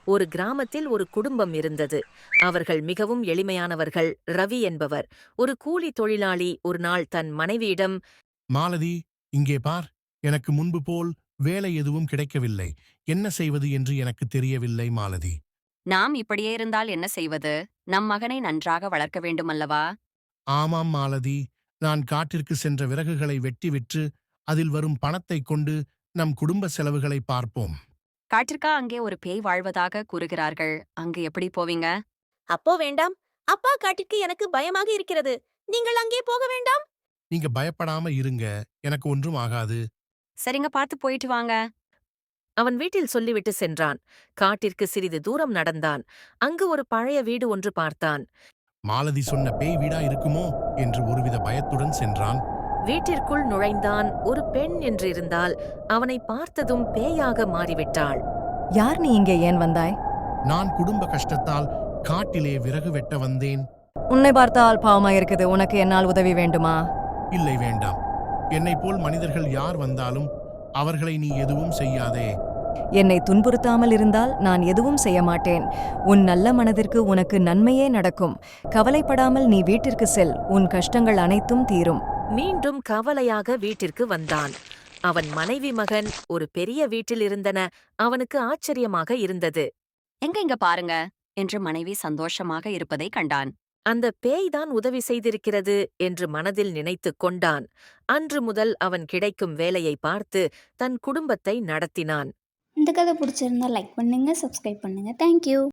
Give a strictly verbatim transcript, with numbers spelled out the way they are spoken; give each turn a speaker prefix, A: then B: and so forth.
A: ஒரு கிராமத்தில் ஒரு குடும்பம் இருந்தது. அவர்கள் மிகவும் எளிமையானவர்கள். ரவி என்பவர் ஒரு கூலி தொழிலாளி ஒரு நாள் தன் மனைவியிடம்,
B: மாலதி, இங்கே பார். எனக்கு முன்பு போல் வேலை எதுவும் கிடைக்கவில்லை. என்ன செய்வது என்று எனக்கு தெரியவில்லை மாலதி.
C: நாம் இப்படியே இருந்தால் என்ன செய்வது? நம் மகனை நன்றாக வளர்க்க வேண்டுமல்லவா?
B: ஆமாம் மாலதி, நான் காட்டிற்கு சென்ற விறகுகளை வெட்டி விற்று அதில் வரும் பணத்தைக் கொண்டு நம் குடும்ப செலவுகளை பார்ப்போம்.
C: காட்டிற்கா அங்கே ஒரு பேய் வாழ்வதாக கூறுகிறார்கள். அங்கு எப்படி போவீங்க?
D: அப்போ வேண்டாம். அப்பா காட்டிற்கு எனக்கு பயமாக இருக்கிறது. நீங்கள் அங்கே போக வேண்டாம்.
B: நீங்க பயப்படாம இருங்க, எனக்கு ஒன்றும் ஆகாது.
C: சரிங்க, பார்த்து போயிட்டு வாங்க.
A: அவன் வீட்டில் சொல்லிவிட்டு சென்றான். காட்டிற்கு சிறிது தூரம் நடந்தான். அங்கு ஒரு பழைய வீடு ஒன்று பார்த்தான்.
B: மாலதி சொன்ன பேய் வீடா இருக்குமோ என்று ஒருவித பயத்துடன் சென்றான்.
A: வீட்டிற்குள் நுழைந்தான். ஒரு பெண் என்றிருந்தால் அவனை பார்த்ததும் பேயாக மாறிவிட்டாள்.
E: யார் நீ இங்கே ஏன் வந்தாய்?
B: நான் குடும்ப கஷ்டத்தால் காட்டிலே விறகு வெட்ட வந்தேன்.
E: உன்னை பார்த்தால் பாவமா இருக்குது. உனக்கு என்னால் உதவி வேண்டுமா?
B: இல்லை, வேண்டாம். என்னைப் போல் மனிதர்கள் யார் வந்தாலும் அவர்களை நீ எதுவும் செய்யாதே.
E: என்னை துன்புறுத்தாமல் இருந்தால் நான் எதுவும் செய்ய மாட்டேன். உன் நல்ல மனதிற்கு உனக்கு நன்மையே நடக்கும். கவலைப்படாமல் நீ வீட்டிற்கு செல். உன் கஷ்டங்கள் அனைத்தும் தீரும்.
A: மீண்டும் கவலையாக வீட்டிற்கு வந்தான். அவன் மனைவி மகன் ஒரு பெரிய வீட்டில் இருந்தன. அவனுக்கு ஆச்சரியமாக இருந்தது.
C: எங்க இங்க பாருங்க என்று மனைவி சந்தோஷமாக இருப்பதை கண்டான்.
A: அந்த பேய்தான் உதவி செய்திருக்கிறது என்று மனதில் நினைத்துக் கொண்டான். அன்று முதல் அவன் கிடைக்கும் வேலையை பார்த்து தன் குடும்பத்தை நடத்தினான்.
F: இந்த கதை பிடிச்சிருந்தா லைக் பண்ணுங்க, சப்ஸ்கிரைப் பண்ணுங்க. தேங்க்யூ.